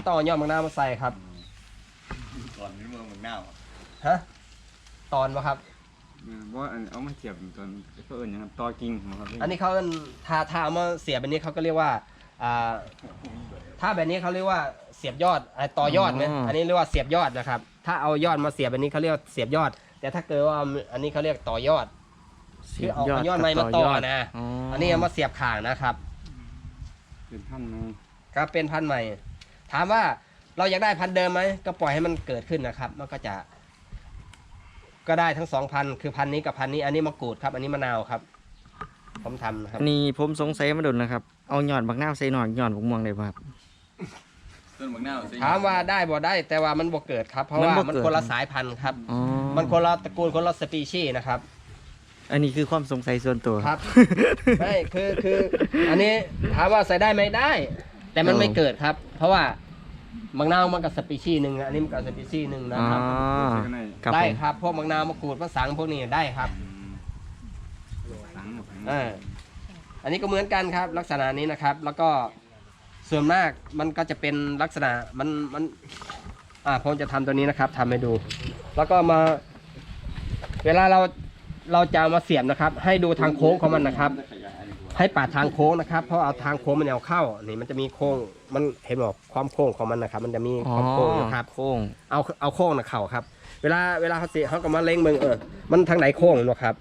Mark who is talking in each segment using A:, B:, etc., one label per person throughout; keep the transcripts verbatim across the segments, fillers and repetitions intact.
A: ต้องเอายอดมะนาวมาใส่ครับ
B: ตอนนี้เมืองเมืองหน้า
A: ฮะตอนวะครับ
C: ว่าเอามาเสียบตอนเขาเอิญอย่างตอกิ่งครับ
A: อันนี้เขาถ้าถ้าเอามาเสียบแบบนี้เขาก็เรียกว่าอ่าถ้าแบบนี้เขาเรียกว่าเสียบยอดต่อยอดไหมอันนี้เรียกว่าเสียบยอดนะครับถ้าเอายอดมาเสียบแบบนี้เขาเรียกเสียบยอดแต่ถ้าเกิดว่าอันนี้เขาเรียกต่อยอดคือเอายอดไม้มาต่อนะอันนี้เอามาเสียบข่างนะครับ
C: เป็นพันธุ์ใหม่
A: ครับเป็นพันธุ์ใหม่ถามว่าเราอยากได้พันธุ์เดิมไหมก็ปล่อยให้มันเกิดขึ้นนะครับมันก็จะก็ได้ทั้งสองพันคือพันนี้กับพันนี้อันนี้มะกรูดครับอันนี้มะนาวครับผมทำนะครับ
D: นี่ผมสงสัยมาดุนนะครับเอาหยอดบักนาวใส่หน่อยหยอดบักม่วงได้ป่ะครับ
B: ต้นบักนาว
A: ถามว่าได้บ่ได้แต่ว่ามันบ่เกิดครับเพราะว่ามันคนละสายพันธุ์ครับมันคนละตระกูลคนละสปีชีส์นะครับ
D: อันนี้คือความสงสัยส่วนตัว
A: ครับไม่คือคืออันนี้ถามว่าใส่ได้ไหมได้แต่มันไม่เกิดครับเพราะว่าบางนาวมันกับสปีชีส์หนึ่งอันนี้มันกับสปีชีส์หนึ่งนะครับได้ครับพวกบางนาวมะกรูดมะสังพวกนี้ได้ครับอ่าอันนี้ก็เหมือนกันครับลักษณะนี้นะครับแล้วก็ส่วนมากมันก็จะเป็นลักษณะมันมันอ่าผมจะทำตัวนี้นะครับทำให้ดูแล้วก็มาเวลาเราเราจะมาเสียบนะครับให้ดูทางโค้งของมันนะครับให้ปาดทางโค้งนะครับเพราะเอาทางโค้งมันเอาเข้านี่มันจะมีโค้งมันเห็นบอกความโค้งของมันนะครับมันจะมีความโค้งนะครับ
D: โค้ง
A: เอาเอาโค้งนะเข่าครับเวลาเวลาเขาเสียเขาก็มาเล็งเมืองเออมันทางไหนโค้งนะครับ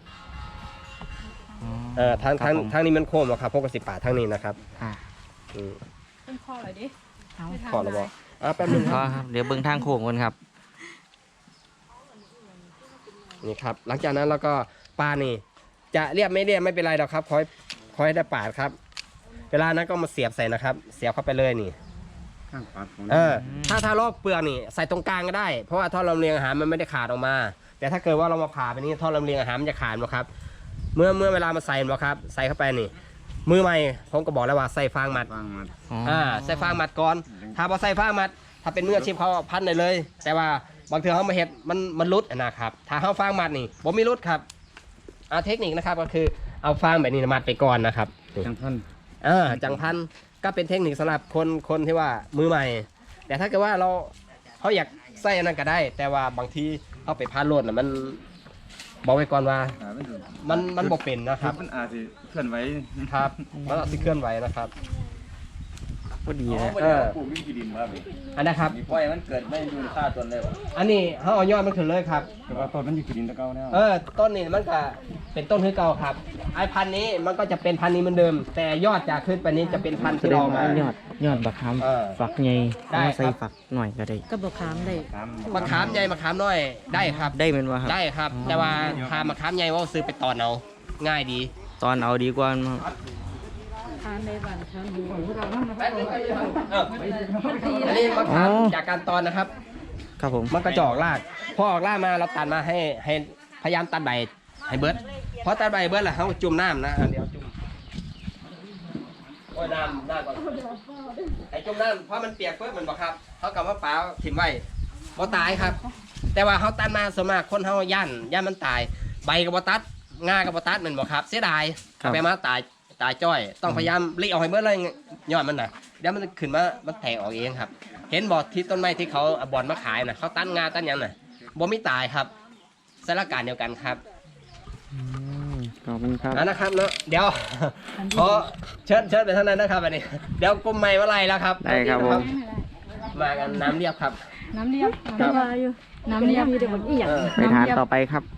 A: เออทางทางทางนี้มันโค้งนะครับพวกกระสิบปาดทางนี้นะครับ
D: อ่า
E: เป็นข้ออะไรดิ
A: ขอระบอกอ่าแป๊บนึง
D: ครับเดี๋ยวเบิ้งทางโค้งกันครับ
A: นี่ครับหลังจากนั้นเราก็ปานี่จะเรียบไม่เรียบไม่เป็นไรหรอกครับคอยคอยได้ปาดครับเวลานั้นก็มาเสียบใส่นะครับเสียบเข้าไปเลยนี่เออถ้าถ้าลอกเปลือกนี่ใส่ตรงกลางก็ได้เพราะว่าท่อลำเลียงอาหารมันไม่ได้ขาดออกมาแต่ถ้าเกิดว่าเรามาผ่าไปนี้ท่อลำเลียงอาหารมันจะขาดนะครับเมื่อเมื่อเวลามาใส่นะครับใส่เข้าไปนี่มือใหม่ผมก็บอกแล้วว่าใส่ฟางมัดอ่าใส่ฟางมัดก่อนถ้าพอใส่ฟางมัดถ้าเป็นมืออาชีพเขาพันได้เลยแต่ว่าบางทีเขามาเห็ดมันมันรุดนะครับถ้าเขาฟางมัดนี่ผมไม่รุดครับเอาเทคนิคนะครับก็คือเอาฟางแบบนี้มัดไปก่อนนะครับ
C: จังพัน
A: เออจังพันก็เป็นเทคนิคสำหรับคนคนที่ว่ามือใหม่แต่ถ้าเกิดว่าเราเขาอยากใส่อันนั้นก็ได้แต่ว่าบางทีเขาไปพานโลดน่ะมันบอกไว้ก่อนว่ามันมันบอกเป็นนะครับ
C: มันอาจจะเคลื่อนไหว
A: ครับมันอาจจะเคลื่อนไหวนะครับ
D: พอดีเลย
A: เออ
B: ปลูกวิธีดินมาเลย
A: อันนะครับ
B: ปล่อยมันเกิดไม่ดูค่าต้นเลยวะ
A: อันนี้เขาเอายอดมันขึ้นเลยครับ
C: แต่ว่าต้นมันอยู่ดินตะเกาเนี่ย
A: เออต้นนี้มันก็เป็นต้นคือเก่าครับไอ้พันนี้มันก็จะเป็นพันนี้เหมือนเดิมแต่ยอดจากขึ้นไปนี้จะเป็นพันที่เรามาย
D: อดยอดบักขามฝักใหญ่เอาใส่ฝักหน่อยก็ได้
E: ก็บักขามได้
A: มะขามใหญ่มะขามน้อยได้ครับ
D: ได้เป็นว่าครับ
A: ได้ครับแต่ว่าถ้ามะขามใหญ่ว่าซื้อไปตอนเอาง่ายดี
D: ตอนเอาดีกว่า
E: ทานในบ้านทานดู
A: อันนี้มะขามจากการตอนนะครับ
D: ครับผม
A: มันก็จะออกรากพอออกรากมาเราตัดมาให้ให้พยายามตัดใบให้เบิร์ดพอตัดใบเบิร์ดแล้วเขาจุ่มน้ำนะเดี๋ยวจุ่มโอ้ยน้ำน้ำก่อนไอ้จุ่มน้ำเพราะมันเปียกเพิ่มมันบอกครับเขากับว่าเปล่าถิ่มไว้บ่ตายครับแต่ว่าเขาตัดมาส่วนมากคนเขาย่านย่านมันตายใบกับบ่ตัดงากับบ่ตัดมันบอกครับเสียดายไปมาตายตายจ้อยต้องพยายามรีเอาให้เบิร์ดเลยยอดมันน่ะเดี๋ยวมันขึ้นมามันแตกออกเองครับเห็นบอดที่ต้นไม้ที่เขาบอลมาขายน่ะเขาตั้นงาตั้นยังน่ะบ่ไม่ตายครับสถานการณ์เดียวกันครับ
D: ขอบคุณครับ
A: นะครับเนาะเดี๋ยวขอเชิญเชิญไปเท่านั้นนะครับอันนี้เดี๋ยวกลุ่มใหม่ว่าไรแล้วครับ
D: ได้ครับผม
A: มากันน้ำเรียบครับ
E: น้ำเรียบน้ำเรียบน้ำเรียบมีแต่บนอีหยัง
D: ไปทานต่อไปครับ